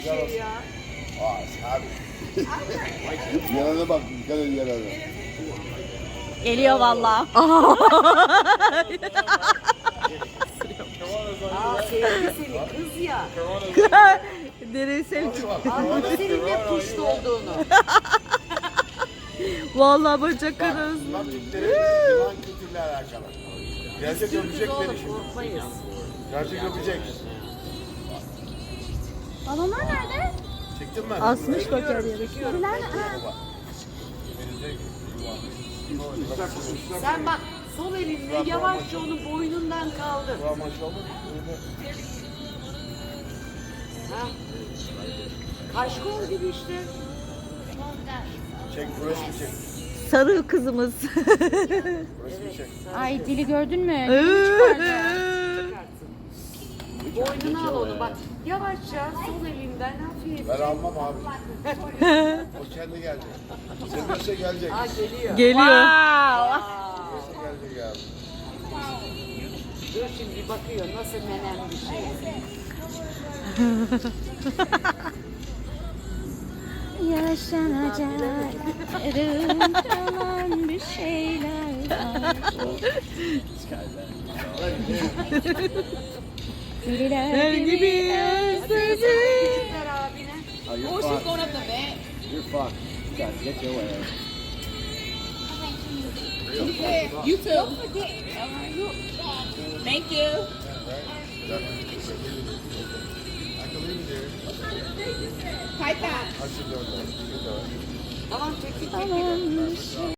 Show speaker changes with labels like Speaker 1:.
Speaker 1: Şey ya.
Speaker 2: Abi. Yarana bak, dikkat et yarana.
Speaker 3: Geliyor valla.
Speaker 1: Sevdi seni kız ya.
Speaker 3: Nereye sevdim?
Speaker 1: Anladı senin ne puşt olduğunu.
Speaker 3: Valla bacak arası.
Speaker 2: Bunlar Türklerin divan kültürüyle alakalı. Gerçek öpecek beni
Speaker 1: Oğlum
Speaker 2: şimdi.
Speaker 1: korkmayız.
Speaker 2: Gerçek öpecek.
Speaker 4: Balonlar nerede?
Speaker 2: Çektin mi?
Speaker 3: Asmış bak her yere.
Speaker 1: Çekiyorum. Sen bak sol elinle yavaşça onu boynundan kaldır.
Speaker 2: Bu maşallah.
Speaker 1: Ha? Kaşkol gibi işte.
Speaker 2: Çek, burası bir çek.
Speaker 3: Sarı kızımız.
Speaker 2: Burası bir çek.
Speaker 4: Ay dili gördün mü? Dilini çıkardı.
Speaker 1: Çıkartsın. Boynuna al onu bak. Yavaşça sol elinden hafif.
Speaker 2: Ben almam abi. O kendi gelecek. Sevinirse gelecek.
Speaker 1: Ha geliyor.
Speaker 3: Geliyor.
Speaker 2: Sevinirse gelecek abi.
Speaker 1: Dur şimdi bakıyor nasıl menem bir şey.
Speaker 4: Yaşanacak yarın kalan bir şeyler var. Deliler gibi özledim.
Speaker 1: Küçükler abine.
Speaker 2: You're fucked. Get your way.
Speaker 3: You too. Thank you.
Speaker 2: I can leave it there.
Speaker 3: Kayta.
Speaker 2: I should do it.
Speaker 1: Tamam çekil.
Speaker 4: Kalan bir şey.